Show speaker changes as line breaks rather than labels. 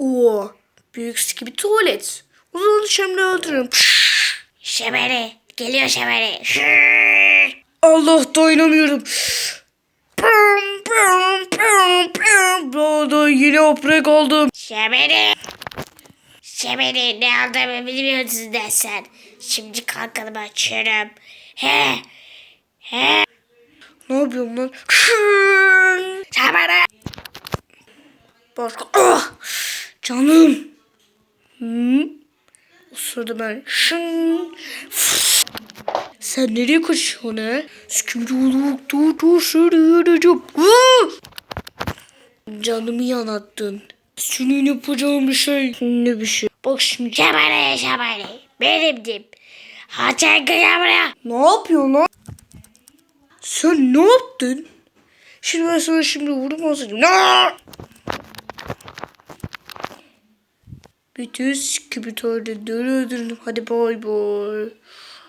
Oo, büyük sıkı bir tuvalet. O zaman şimdi öldürürüm.
Şebere. Geliyor Şebere.
Allah dayanamıyorum. Pım, pım, pım, pım. Burada yine oprek oldum.
Şebere. Şebere ne aldığımı bilmiyorsun sen. Şimdi kalkalım açıyorum. He. He.
Ne yapıyorum lan?
Şebere.
Başka. Ah! Canım. O sırada ben. Sen nereye kaçıyorsun he? Skümrülük dur şöyle yürüyeceğim. Canımı yanattın. Senin yapacağım bir şey. Ne bir şey? Bak şimdi.
Şebere. Benimdim. Haçan gel buraya.
Ne yapıyorsun lan? Sen ne yaptın? Şimdi ben sana şimdi vurmasaydım. Bütün skibitörleri öldürdüm. Hadi bay bay.